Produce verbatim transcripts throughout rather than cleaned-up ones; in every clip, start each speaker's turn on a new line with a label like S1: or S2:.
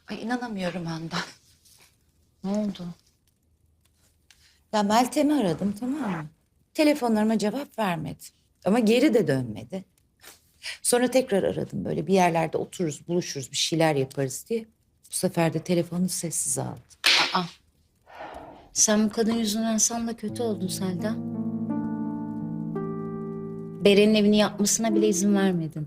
S1: Ay inanamıyorum Handan.
S2: Ne oldu?
S1: Ya Meltem'i aradım, tamam mı? Telefonlarıma cevap vermedi. Ama geri de dönmedi. Sonra tekrar aradım, böyle bir yerlerde otururuz, buluşuruz, bir şeyler yaparız diye. Bu sefer de telefonu sessiz aldı.
S2: Aa, sen bu kadın yüzünden sen de kötü oldun Selda. Beren'in evini yapmasına bile izin vermedin.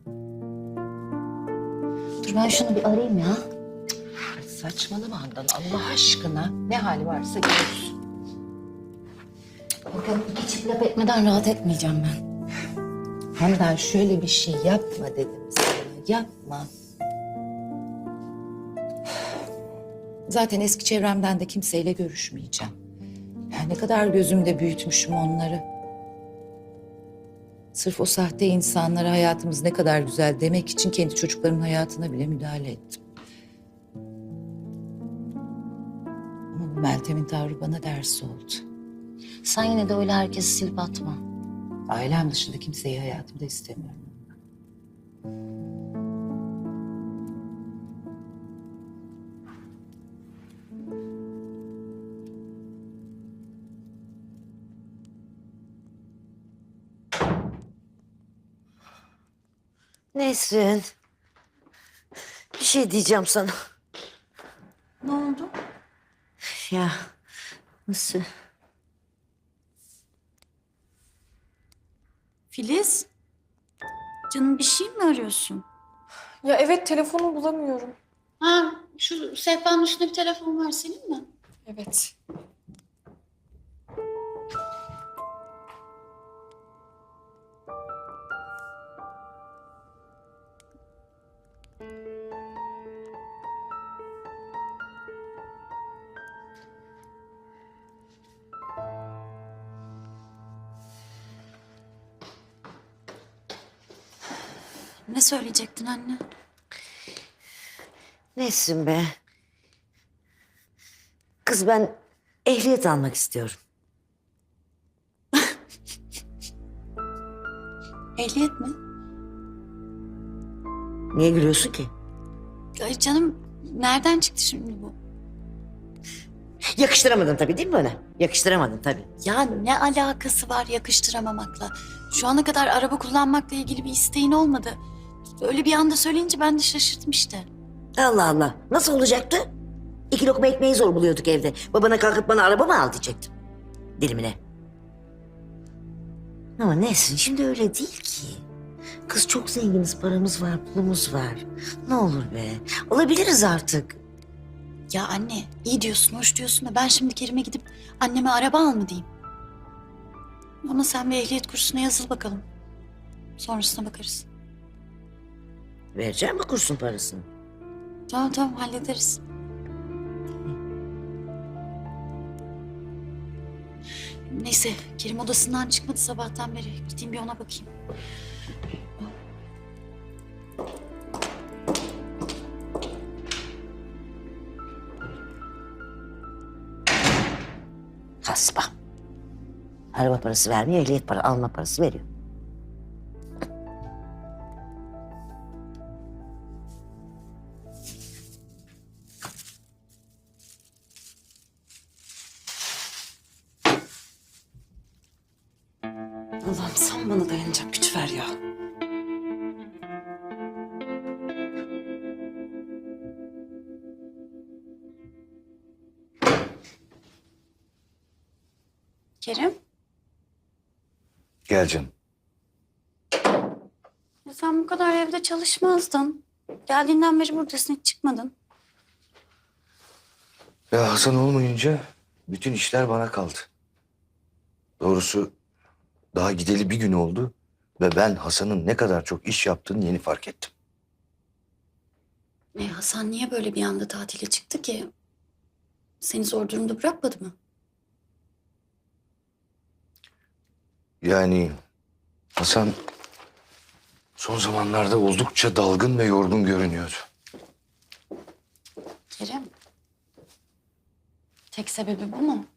S2: Dur ben şunu bir arayayım ya.
S1: Ay saçmalama Handan, Allah aşkına. Ne hali varsa görürsün.
S2: Bakalım iki çift laf etmeden rahat etmeyeceğim ben.
S1: Handan şöyle bir şey yapma dedim sana, yapma. Zaten eski çevremden de kimseyle görüşmeyeceğim. Ya ne kadar gözümde büyütmüşüm onları. Sırf o sahte insanlara hayatımız ne kadar güzel demek için kendi çocuklarımın hayatına bile müdahale ettim. Ama bu Meltem'in tavrı bana ders oldu.
S2: Sen yine de öyle herkesi silip atma.
S1: Ailem dışında kimseyi hayatımda istemiyorum.
S3: Nesrin. Bir şey diyeceğim sana.
S2: Ne oldu?
S3: Ya nasıl?
S2: Filiz, canım bir şey mi arıyorsun?
S4: Ya evet telefonu bulamıyorum.
S2: Ha, şu sehpanın üstünde bir telefon var senin mi?
S4: Evet.
S2: Ne söyleyecektin anne?
S3: Nesrin be. Kız ben ehliyet almak istiyorum.
S2: Ehliyet mi?
S3: Niye gülüyorsun ki?
S2: Ay canım, nereden çıktı şimdi bu?
S3: Yakıştıramadın tabii değil mi bana? Yakıştıramadın tabii.
S2: Ya ne alakası var yakıştıramamakla? Şu ana kadar araba kullanmakla ilgili bir isteğin olmadı. Öyle bir anda söyleyince ben de şaşırdım işte.
S3: Allah Allah. Nasıl olacaktı? İki lokma ekmeği zor buluyorduk evde. Babana kalkıp bana araba mı al diyecektim. Dilimine. Ama Nesrin şimdi öyle değil ki. Kız çok zenginiz, paramız var, pulumuz var. Ne olur be. Olabiliriz artık.
S2: Ya anne, iyi diyorsun, hoş diyorsun da ben şimdi Kerim'e gidip anneme araba al mı diyeyim? Ama sen bir ehliyet kursuna yazıl bakalım. Sonrasına bakarız.
S3: Vereceğim mi kursun parasını?
S2: Tamam tamam hallederiz. Neyse Kerim odasından çıkmadı sabahtan beri. Gideyim bir ona bakayım.
S3: Hasba. Araba parası vermiyor, ehliyet para alma parası veriyor.
S4: Allah'ım sen bana dayanacak güç ver ya.
S2: Kerim,
S5: Gel canım.
S2: ya sen bu kadar evde çalışmazdın. Geldiğinden beri buradasın, hiç çıkmadın.
S5: Ya Hasan olmayınca bütün işler bana kaldı. Doğrusu daha gideli bir gün oldu ve ben Hasan'ın ne kadar çok iş yaptığını yeni fark ettim.
S2: E, Hasan niye böyle bir anda tatile çıktı ki? Seni zor durumda bırakmadı mı?
S5: Yani Hasan son zamanlarda oldukça dalgın ve yorgun görünüyordu.
S2: Kerim, tek sebebi bu mu?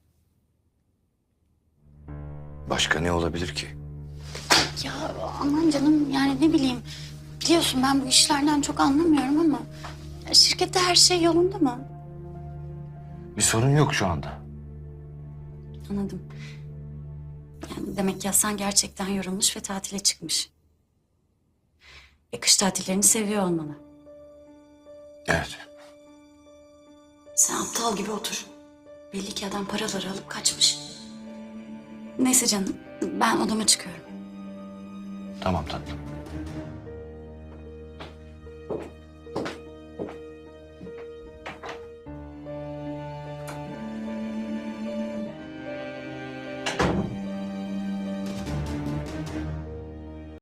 S5: Başka ne olabilir ki?
S2: Ya aman canım yani ne bileyim. Biliyorsun ben bu işlerden çok anlamıyorum ama Şirkette her şey yolunda mı?
S5: Bir sorun yok şu anda.
S2: Anladım. Yani demek ki Hasan gerçekten yorulmuş ve tatile çıkmış. Ve kış tatillerini seviyor olmalı.
S5: Evet.
S2: Sen aptal gibi otur. Belli ki adam paraları alıp kaçmış. Neyse canım, ben odama çıkıyorum.
S5: Tamam tatlım.